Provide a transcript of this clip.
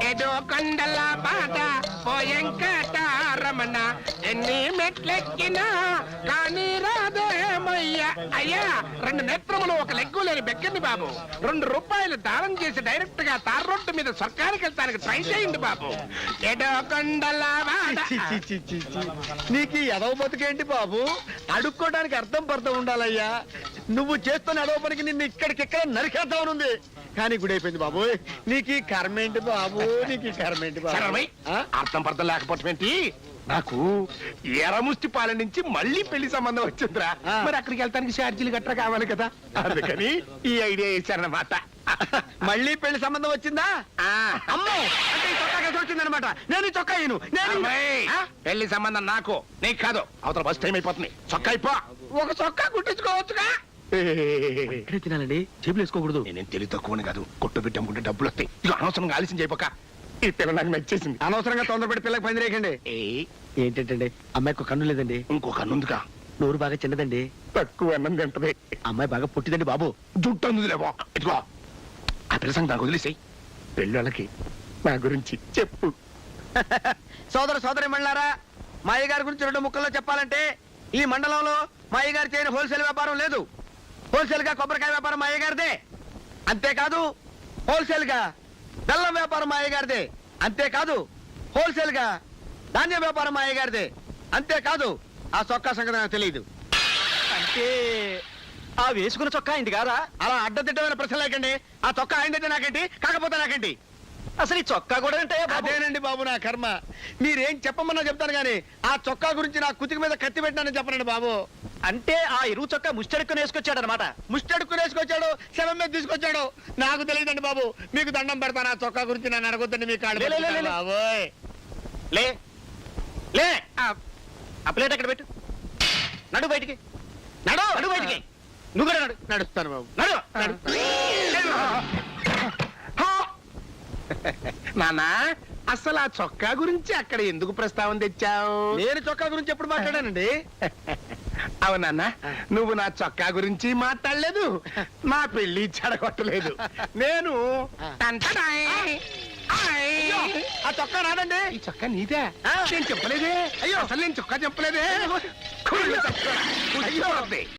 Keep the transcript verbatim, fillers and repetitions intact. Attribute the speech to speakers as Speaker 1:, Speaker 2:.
Speaker 1: ఏదో కొండల బాట పోయంకటారమణ ఎన్ని మెట్లెక్కినా కానీ రాదేమయ్యా. అయ్యా రెండు నేత్రములు ఒక లెగ్గు లేని బెక్కని బాబు, రెండు రూపాయలు దానం చేసి డైరెక్ట్ గా తార్ రోడ్డు మీద సర్కారుకి వెళ్తానికి ట్రై చేయండి బాబు. ఏదో కొండల బాట.
Speaker 2: నీకు ఎదవ బతుకేంటి బాబు? అడుక్కోవడానికి అర్థం పర్థం ఉండాలయ్యా. నువ్వు చేస్తున్న ఎదవ పనికి నిన్ను ఇక్కడికిక్కడ నరికేద్దామనుంది, కానీ గుడైపోయింది బాబు. నీకు ఈ కర్మేంటి బాబు, నీకు ఈ కర్మేంటి బాబు?
Speaker 1: అర్థం పర్థం లేకపోవటం ఏంటి? నాకు ఎరముష్టి పాలన నుంచి మళ్ళీ పెళ్లి సంబంధం వచ్చిందిరా. మరి అక్కడికి వెళ్తానికి ఛార్జీలు గట్రా కావాలి కదా, అందుకని ఈ ఐడియా వేశారన్నమాట.
Speaker 2: మళ్ళీ పెళ్లి సంబంధం వచ్చిందా? అమ్మో, అంటే ఈ చొక్కా కలిసి వచ్చిందనమాట. నేను ఈ చొక్కా ఇను.
Speaker 1: పెళ్లి సంబంధం నాకు నీకు కాదు. అవతల బస్ టైం అయిపోతుంది. చొక్కా అయిపో. ఒక చొక్కా కుట్టించుకోవచ్చుగా.
Speaker 2: తినాలండి, చేతులు వేసుకోకూడదు.
Speaker 1: నేనేం తెలివి తక్కువని కాదు, కొట్టు పెట్టాముకుంటే డబ్బులు వస్తాయి. ఇక అనవసరంగా ఆలస్యం చేయపోక. ఈ పిల్ల నాకు నచ్చేసింది.
Speaker 2: అనవసరంగా తొందరపడి పిల్లకి పని రేకండి. ఏంటంటే అమ్మాయికి కన్ను లేదండి.
Speaker 1: ఇంకో కన్నుందిగా.
Speaker 2: నోరు బాగా చిన్నదండి.
Speaker 1: తక్కువ అన్నం తింటది.
Speaker 2: అమ్మాయి బాగా పుట్టిదండి బాబు.
Speaker 1: జుట్టు అందుది లేవో. ఇదిగో ఆ పిల్ల సంగతి నాకు వదిలేసాయి. పెళ్ళోళ్ళకి నా గురించి చెప్పు.
Speaker 2: సోదర సోదరి మండలారా, మా అయ్యగారి గురించి రెండు ముక్కల్లో చెప్పాలంటే ఈ మండలంలో మా అయ్యగారు చేయని హోల్సేల్ వ్యాపారం లేదు. హోల్సేల్ గా కొబ్బరికాయ వ్యాపారం మా అయ్యగారిదే. అంతేకాదు హోల్సేల్ గా బెల్లం వ్యాపారం మా అయ్యగారిదే. అంతేకాదు హోల్సేల్ గా ధాన్యం వ్యాపారం మా అయ్యగారిదే. అంతేకాదు ఆ చొక్కా సంగతి నాకు తెలియదు.
Speaker 3: అంటే ఆ వేసుకున్న చొక్కా ఇంటి కాదా?
Speaker 2: అలా అడ్డదిడ్డమైన ప్రశ్న లేకండి. ఆ చొక్కా అయిందంటే నాకేంటి, కాకపోతే నాకేంటి?
Speaker 3: అసలు ఈ చొక్కా కూడా అంటే
Speaker 2: అదేనండి బాబు నా కర్మ. మీరేం చెప్పమన్నా చెప్తాను గానీ ఆ చొక్కా గురించి నా కుతికి మీద కత్తి పెట్టినానని చెప్పనండి బాబు.
Speaker 3: అంటే ఆ ఇరువు చొక్కా ముష్టెడుక్కుని వేసుకొచ్చాడు అనమాట.
Speaker 2: ముష్టెడుక్కుని వేసుకొచ్చాడు, శవం మీద తీసుకొచ్చాడు. నాకు తెలియదండి బాబు. మీకు దండం పెడతాను. ఆ చొక్కా గురించి నన్ను అడగొద్దండి. మీకు
Speaker 3: లే, లే, లే, లే.
Speaker 2: బాబోయ్.
Speaker 3: లే లే ఆ ప్లేట్ అక్కడ పెట్టు. నడు బయటికి, నడు నడు బయటికి. నువ్వు కూడా నడు.
Speaker 2: నడుస్తాను బాబు.
Speaker 3: నడు నడు.
Speaker 1: నానా, అసలు ఆ చొక్కా గురించి అక్కడ ఎందుకు ప్రస్తావన తెచ్చావు?
Speaker 2: నేను చొక్కా గురించి ఎప్పుడు మాట్లాడానండి?
Speaker 1: అవునన్నా, నువ్వు నా చొక్కా గురించి మాట్లాడలేదు, నా పెళ్లి చెడగొట్టలేదు. నేను
Speaker 2: ఆ చొక్కా రాదండి.
Speaker 1: ఈ చొక్కా నీదే. నేను చెప్పలేదే. అయ్యో, అసలు నేను చొక్కా చెప్పలేదే.